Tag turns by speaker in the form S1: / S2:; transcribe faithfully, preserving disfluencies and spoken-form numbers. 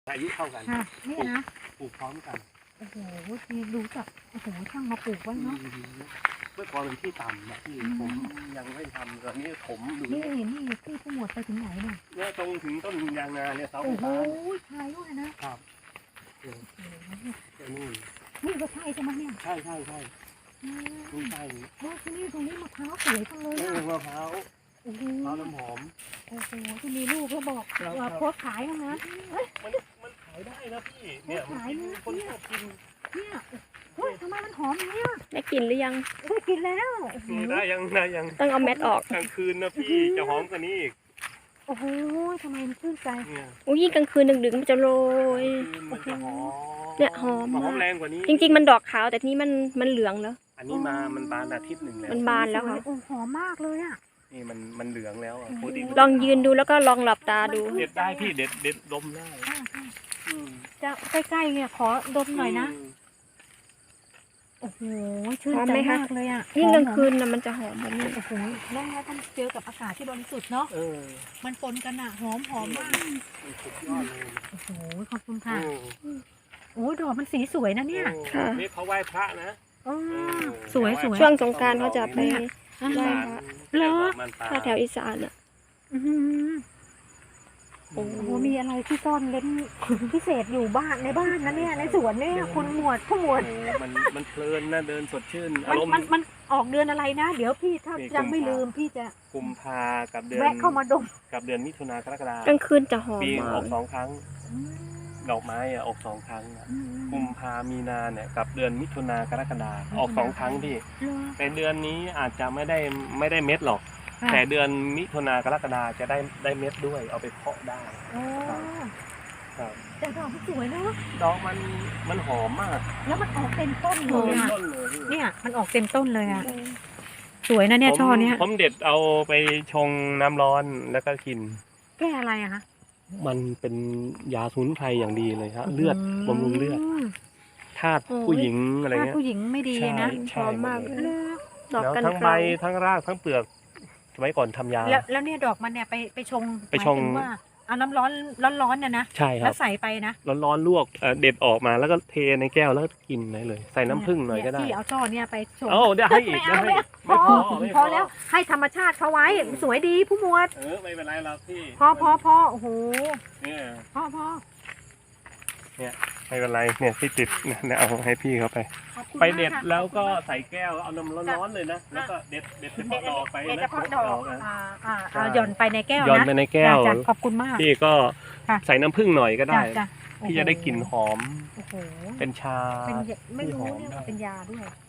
S1: อายุเท่ากัน
S2: ค่ะนี่นะ
S1: ปลูกพร้อมกัน
S2: โอ้โหทีดูจากโอ้โหช่างมาปลูกไว้เนาะ
S1: เมื่อก่อนเป็นที่ต่ำนะพี่ผมยังไม่ทำตอนนี้ผมดู
S2: นี่นี่ที่ผู้หมวดไปถึงไหนเนี่ย
S1: เนี่ยตรงถึงต้นยางนาเนี่ยเสาไฟ
S2: โอ้โห
S1: ฟ้า
S2: ชายด้วยนะครับ
S1: นี่
S2: นี่ก็ใช่ใช่ไหมเนี่ย
S1: ใช่ใช่ใช่นี่ใช่
S2: โอ้ที่นี่ตรงนี้มะพร้าวสวยจังเลย
S1: นี่
S2: อะ
S1: มะพร้าว
S2: โอ้โห
S1: มะพร้าวน้ำหอม
S2: โอ้โหที่มีลูกก็บอกว่าโพสขายนะนะ
S1: มันมันขายได้นะพี่เนี่ยขายคนชอบกิน
S2: เนี่ยเฮ้ยทำไมมันหอมเนี่ย
S3: ได้กินหรือยัง
S2: ได้กินแล้ว
S1: ได้ยังได้ยัง
S3: ต้องเอาเม็ดออก
S1: กลางคืนนะพี่จะหอมกว่านี้อีก
S2: โอ้โหทำไมมันชื่นใจ
S3: อุ้ยยิ่งกลางคืนดึกๆมันจะโรย
S1: มันจะหอม
S3: เนี่ยหอม
S1: หอมแรงกว่านี้
S3: จริงๆมันดอกขาวแต่นี้มันมันเหลืองแล้ว
S1: อันนี้มามันบานอาทิตย์หนึ่งแล้ว
S3: มันบานแล้วค่ะ
S2: โอ้หอมมากเลยอ่ะ
S1: นี่มันมันเหลืองแล้ว
S3: ลองยืนดูแล้วก็ลองหลับตาดู
S1: เด็ดได้พี่เด็ดเด็ดดมได้
S2: จะใกล้ๆเนี่ยขอดมหน่อยนะโอ้โหชื่นใจมากเลยอ่ะ
S3: ยิ่งกลางคืนนะมันจะหอมแบบนี้
S2: โอ้โหแล้วถ้าต้องเจอกับอากาศที่บริสุทธิ์เนาะมันปนกันอ่ะหอมหอมมากโอ้โหขอบคุณค่ะโอ้ดอกมันสีสวยนะเนี่ย
S3: ค่ะ
S1: นี่เขาไหว้พระนะ
S2: สวยสวย
S3: ช่วงสงกรานต์เขาจะไปไหว้พระ
S2: เหรอ
S3: ถ้าแถวอีสานอ่ะ
S2: โอ้โหมีอะไรที่ซ่อนเล้นพิเศษอยู่บ้านในบ้านนะเนี่ยในสวนเนี่ยคุณหมวดผู้หมวด
S1: มันมันเพลินนะเดินสดชื่น
S2: อารมณ์มันมันออกเดือนอะไรนะเดี๋ยวพี่ถ้ายังไม่ลืมพี่จะ
S1: กุมภากับเดือน
S2: แวะเข้ามาดม
S1: กับเดือนมิถุนากรกฎาคม
S3: กลางคืนจะหอม
S1: ปีออกสองครั้งดอกไม้อะออกสองครั้งกุมภามีนาเนี่ยกับเดือนมิถุนากรกฎาคมออกสองครั้งพี่แต่เดือนนี้อาจจะไม่ได้ไม่ได้เม็ดหรอกแต่เดือนมิถุนากรกฎาจะได้ได้เม็ดด้วยเอาไปเพาะได้ครับ
S2: แต่ดอกมันสวยเนาะ
S1: ดอกมันมันหอมมาก
S2: แล้วมันออกเต็มต้นเลยอ่ะเนี่ยมันออกเต็มต้นเลยอ่ะสวยนะเนี่ยช่อเนี้ย
S1: ผมเด็ดเอาไปชงน้ำร้อนแล้วก็กิน
S2: แก้อะไรอะคะ
S1: มันเป็นยาสมุนไพรอย่างดีเลยครับเลือดบำรุงเลือดธาตุผู้หญิงอะไรเงี้ย
S2: ผู้หญิงไม่ดีนะ
S3: หอมมาก
S1: ดอกทั้งใบทั้งรากทั้งเปลือกสมัยก่อนทำยา
S2: แล้วแล้วเนี่ยดอกมันเนี่ยไปไปชง
S1: ไปชง
S2: ว่าเอาน้ำร้อนร้อนๆเนี่ยนะ
S1: ใช่ครับ
S2: แล้วใส่ไปนะ
S1: ร้อนๆลวกเด็ดออกมาแล้วก็เทในแก้วแล้วกินได้เลยใส่น้ำผึ้งหน่อยก็ได้
S2: ที่เอาช่อเนี่ยไปชง
S1: โอ้เดี๋ยวให้อีกไม่ให้
S2: ไม่พอพอแล้วให้ธรรมชาติเขาไว้สวยดีผู้หมวด
S1: เออไม่เป็นไรหรอกพี่
S2: พอพอพอโอ้โห
S1: เนี่ย
S2: พอพอ
S1: เนี่ยไม่เป็นไรเนี่ยที่ติดเนี่ยเอาให้พี่เขาไปไปเด็ดแล้วก็ใส่แก้วเอาน้ำร้อนๆเลยนะแล้วก็เด็ดเด็ดเฉพาะดอกไปนะ
S2: เฉพาะดอกอ่าอ่าหย่อนไปในแก้วนะ
S1: หย่อนไปในแก้ว
S2: ขอบคุณมาก
S1: พี่ก็ใส่น้ำผึ้งหน่อยก็ได้พี่จะได้กลิ่นหอมเป็นชา
S2: เป็นไม่รู้เนี่ยเป็นยาด้วย